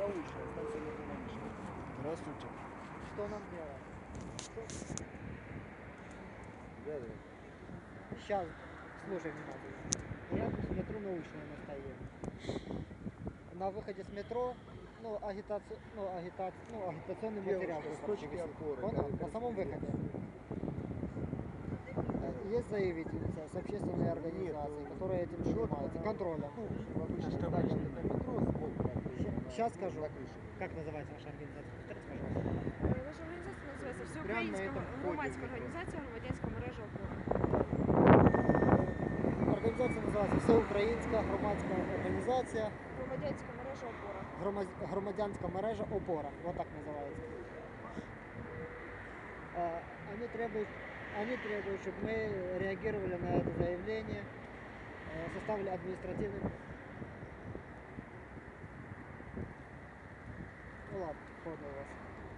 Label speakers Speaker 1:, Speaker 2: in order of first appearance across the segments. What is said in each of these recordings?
Speaker 1: научная станция метро Манежная.
Speaker 2: Здравствуйте.
Speaker 1: Что нам делать?
Speaker 2: Да, да.
Speaker 1: Сейчас, слушай внимательно. Рядом с метро научная мы стоим. На выходе с метро, агитационный материал.
Speaker 2: Девушка, с точки опоры.
Speaker 1: Понял? На самом выходе. Есть заявительница с общественной организации, которая этим занимается, контролем. Сейчас скажу. Как называется ваша организация? Повторите, пожалуйста.
Speaker 3: Наша организация называется Всеукраїнська громадська організація «Громадянська мережа опора».
Speaker 1: Організація називається Всеукраїнська громадська організація
Speaker 3: Громадянська мережа опора.
Speaker 1: Громадянська мережа опора. Вот так называется. Они требуют, чтобы мы реагировали на это заявление, составили административный... Ну ладно, понял вас.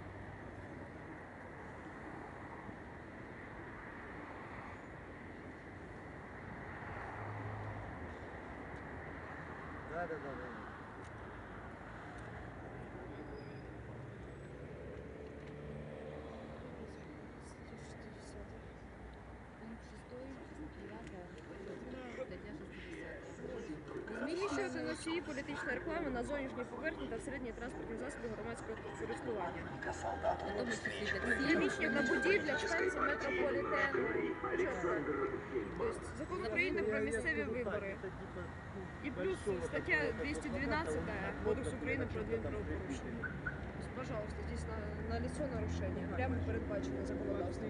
Speaker 2: Да.
Speaker 3: Розміщувати носії політичної реклами на зовнішній поверхні та всередині транспортних засобів громадського користування. Приміщення на будівлях, станції метрополітену. Тобто закон України про місцеві вибори. І плюс стаття 212 Кодексу України про адмінправопорушення. Пожалуйста, здесь на лицо нарушение. Прямо передбачено законодавством.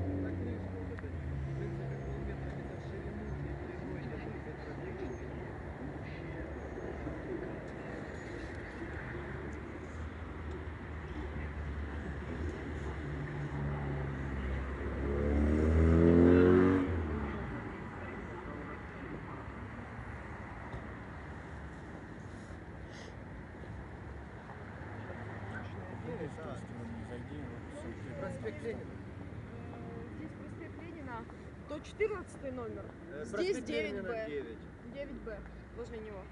Speaker 2: Проспект Ленина.
Speaker 3: Здесь проспект Ленина, то 14 номер. Здесь
Speaker 2: Проспект
Speaker 3: 9Б.
Speaker 2: Ленина 9.
Speaker 3: 9Б, возле него.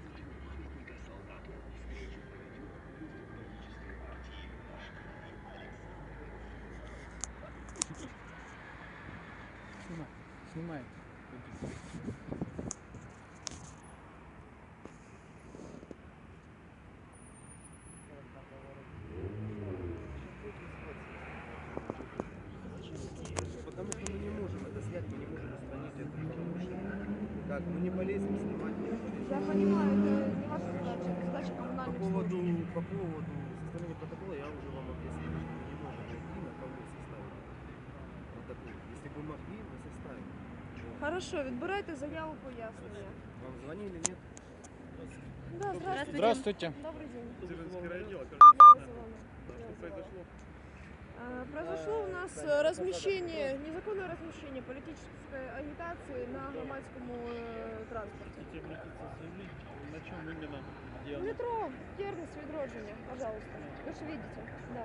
Speaker 4: Снимай.
Speaker 2: Потому что мы не можем это снять, мы не можем устранить это нарушение. Так, мы не полезем снимать, не полезем.
Speaker 3: Я понимаю, это не ваша задача, это задача коммунальных служб.
Speaker 2: По поводу составления протокола я уже вам объяснил, что мы не можем найти, на кого составить протокол. Если бы могли, мы составим.
Speaker 3: Хорошо, відбирайте заяву пояснення.
Speaker 2: Вам звонили, нет?
Speaker 3: Да, здравствуйте.
Speaker 4: Здравствуйте.
Speaker 3: Добрый день.
Speaker 5: Цивильский райотдел,
Speaker 3: Я вызывала.
Speaker 5: что произошло?
Speaker 3: Произошло у нас размещение, незаконное размещение политической агитации на громадском транспорте.
Speaker 5: Хотите обратиться с заявлением? На чем именно дело?
Speaker 3: Метро, Термис, Відродження, пожалуйста. Вы же видите, да.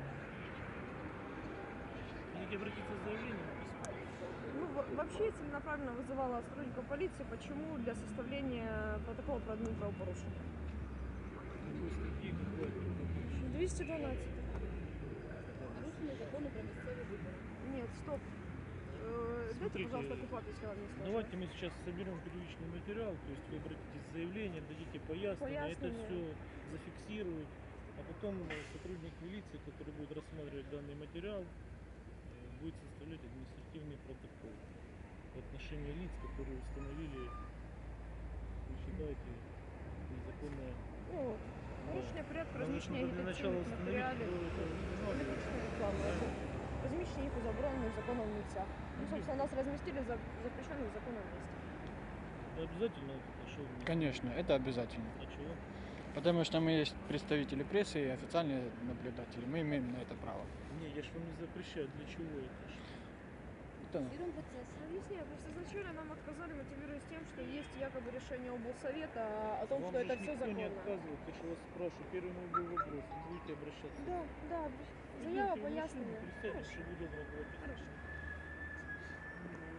Speaker 5: Хотите обратиться с заявлением?
Speaker 3: Ну, вообще целенаправленно вызывала сотрудников полиции. Почему? Для составления протокола про админправопорушение.
Speaker 5: Какой статьи, какой?
Speaker 3: 212.
Speaker 6: Нарушение закона про местные выборы.
Speaker 3: Нет, стоп. Дайте,
Speaker 5: Смотрите,
Speaker 3: пожалуйста, оккупацию, если вам не сложно.
Speaker 5: Давайте мы сейчас соберем первичный материал, то есть вы обратитесь с заявлением, дадите пояснение, это
Speaker 3: Пояснение.
Speaker 5: все зафиксируют, а потом сотрудник милиции, который будет рассматривать данный материал, будет составлять административный протокол в отношении лиц, которые установили, вы считаете, незаконное.
Speaker 3: Ну, нарушение порядка
Speaker 5: Нам нужно
Speaker 3: размещения
Speaker 5: для начала
Speaker 3: агитационных
Speaker 5: установить,
Speaker 3: материалів.
Speaker 5: кто это устанавливает.
Speaker 3: Політична реклама. Размещение их у забороненных законом місцях. Ну, собственно, нас разместили в запрещенном законом месте.
Speaker 5: Это обязательно это шоу?
Speaker 4: Конечно, это обязательно.
Speaker 5: А чего?
Speaker 4: Потому что мы есть представители прессы и официальные наблюдатели. Мы имеем на это право.
Speaker 5: Не, я же вам не запрещаю. Для чего это?
Speaker 4: Это
Speaker 6: Фиксируем процесс.
Speaker 3: Объясняю, просто изначально нам отказали, мотивируясь тем, что есть якобы решение облсовета о том,
Speaker 5: Вам
Speaker 3: что
Speaker 5: же
Speaker 3: это
Speaker 5: ж
Speaker 3: все
Speaker 5: никто не
Speaker 3: законно.
Speaker 5: отказывает. Я же вас спрашиваю. Первый мой был вопрос. Вы будете обращаться?
Speaker 3: Да, да,
Speaker 5: Идите
Speaker 3: заява
Speaker 5: в машину,
Speaker 3: пояснення.
Speaker 5: Представьте, что буду отработать.
Speaker 3: Хорошо.